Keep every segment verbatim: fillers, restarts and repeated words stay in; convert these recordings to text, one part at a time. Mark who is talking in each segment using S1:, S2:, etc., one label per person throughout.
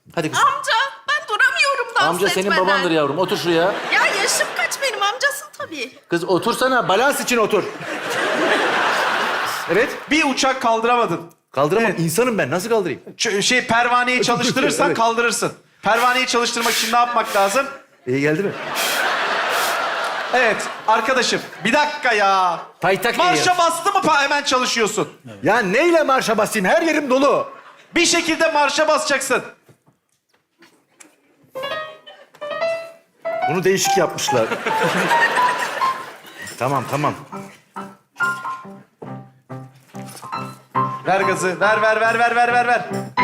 S1: Hadi kızım.
S2: Amca ben duramıyorum dans
S1: Amca
S2: etmeden.
S1: senin babandır yavrum. Otur şuraya.
S2: Ya yaşım kaç benim, amcasın tabii.
S1: Kız otursana. Balans için otur. Evet.
S3: Bir uçak kaldıramadın.
S1: Kaldıramam. İnsanım ben. Nasıl kaldırayım?
S3: Ç- şey pervaneyi çalıştırırsan
S1: Evet.
S3: kaldırırsın. Pervaneyi çalıştırmak için ne yapmak lazım?
S1: İyi geldi mi?
S3: Evet arkadaşım bir dakika ya.
S1: Paytak
S3: Marşa
S1: eğer.
S3: bastı mı pa- hemen çalışıyorsun.
S1: Ya neyle marşa basayım? Her yerim dolu.
S3: Bir şekilde marşa basacaksın.
S1: Bunu değişik yapmışlar. Tamam, tamam.
S3: Ver gazı. Ver ver ver ver ver ver ver.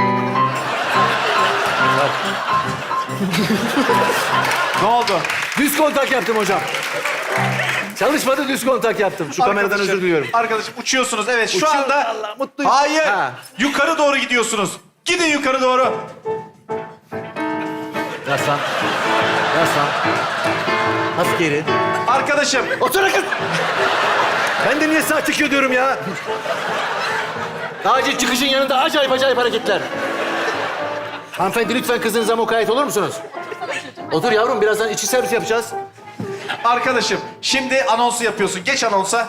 S3: Ne oldu?
S1: Düz kontak yaptım hocam. Çalışmadı, düz kontak yaptım. Şu kameradan
S3: Arkadaşım,
S1: özür diliyorum.
S3: Arkadaşım uçuyorsunuz evet şu
S1: Uçuyorum,
S3: anda.
S1: Allah, mutluyum.
S3: Hayır.
S1: Ha.
S3: Yukarı doğru gidiyorsunuz. Gidin yukarı doğru.
S1: Yaslan. Yaslan. Hafif geri.
S3: Arkadaşım
S1: Otur kız. Ben de niye sağ çıkıyor diyorum ya. Acil çıkışın yanında acayip acayip hareketler. Hanımefendi lütfen kızınıza mukayyet olur musunuz? Otur yavrum, birazdan içi servis yapacağız.
S3: Arkadaşım şimdi anonsu yapıyorsun. Geç anonsa.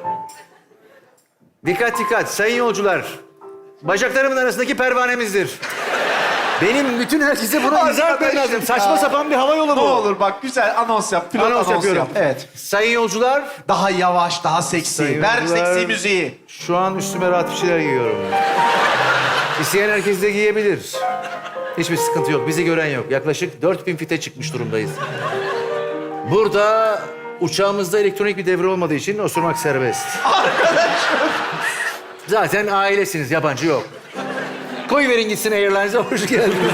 S1: Dikkat dikkat sayın yolcular. Bacaklarımın arasındaki pervanemizdir. Benim bütün herkese bunu izah etmem
S3: Arkadaşım
S1: lazım.
S3: ya.
S1: Saçma sapan bir hava yolu bu.
S3: Ne olur bak güzel anons yap. Pilot
S1: Anons
S3: anons,
S1: yapıyorum.
S3: yap. Evet.
S1: Sayın yolcular,
S3: Daha yavaş, daha seksi.
S1: Sayın
S3: Ver
S1: yolcular,
S3: seksi müziği.
S1: şu an üstüme rahat bir şeyler giyiyorum. İsteyen herkes de giyebilir. Hiçbir sıkıntı yok, bizi gören yok. Yaklaşık dört bin fite çıkmış durumdayız. Burada uçağımızda elektronik bir devre olmadığı için osurmak serbest.
S3: Arkadaşım.
S1: Zaten ailesiniz, yabancı yok. Koyverin gitsin Airlines'a, hoş geldiniz.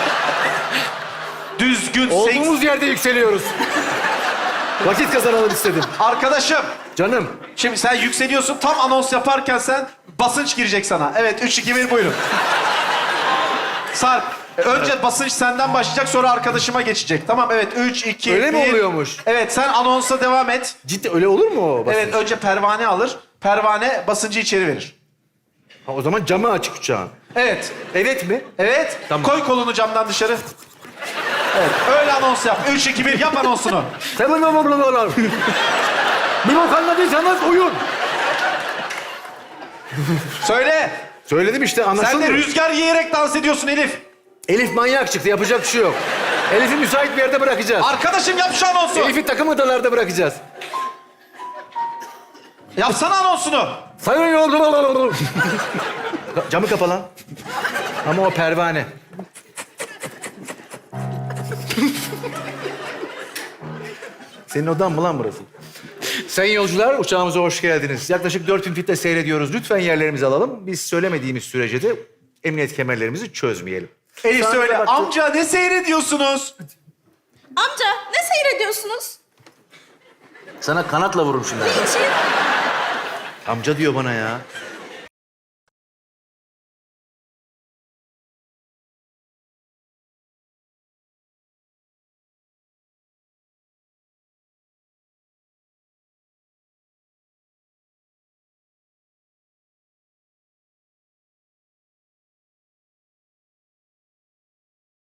S3: Düzgün seks.
S1: Olduğumuz yerde yükseliyoruz. Vakit kazanalım istedim.
S3: Arkadaşım.
S1: Canım,
S3: Şimdi sen yükseliyorsun. Tam anons yaparken sen basınç girecek sana. Evet üç, iki, bir buyurun. Sarp. Önce basınç senden başlayacak sonra arkadaşıma geçecek. Tamam evet üç, iki, bir.
S1: Öyle mi oluyormuş?
S3: Evet sen anonsa devam et.
S1: ciddi öyle olur mu o basınç?
S3: Evet önce pervane alır. Pervane basıncı içeri verir.
S1: Ha, o zaman camı açık uçağın.
S3: Evet.
S1: Evet mi?
S3: Evet.
S1: Tamam.
S3: Koy kolunu camdan dışarı. Evet. Öyle anons yap. Üç, iki, bir yap anonsunu.
S1: Seven babamlar. Bir bok anladıysanız uyun.
S3: Söyle.
S1: Söyledim işte,
S3: Sen
S1: anlaşılmıyor.
S3: de rüzgar yiyerek dans ediyorsun Elif.
S1: Elif manyak çıktı, yapacak bir şey yok. Elif'i müsait bir yerde bırakacağız.
S3: Arkadaşım yap şu anonsu.
S1: Elif'i takım odalarda bırakacağız.
S3: Yapsana anonsunu.
S1: Sayın yolcular. Camı kapa lan. Ama o pervane. Senin odan mı lan burası? Sayın yolcular, uçağımıza hoş geldiniz. Yaklaşık dört bin fitte seyrediyoruz. Lütfen yerlerimizi alalım. Biz söylemediğimiz sürece de emniyet kemerlerimizi çözmeyelim.
S3: Elif
S1: Sana
S3: söyle.
S1: bak-
S3: Amca ne seyrediyorsunuz?
S2: Amca ne seyrediyorsunuz?
S1: Sana kanatla vururum şimdi.
S2: Niçin?
S1: Amca diyor bana ya.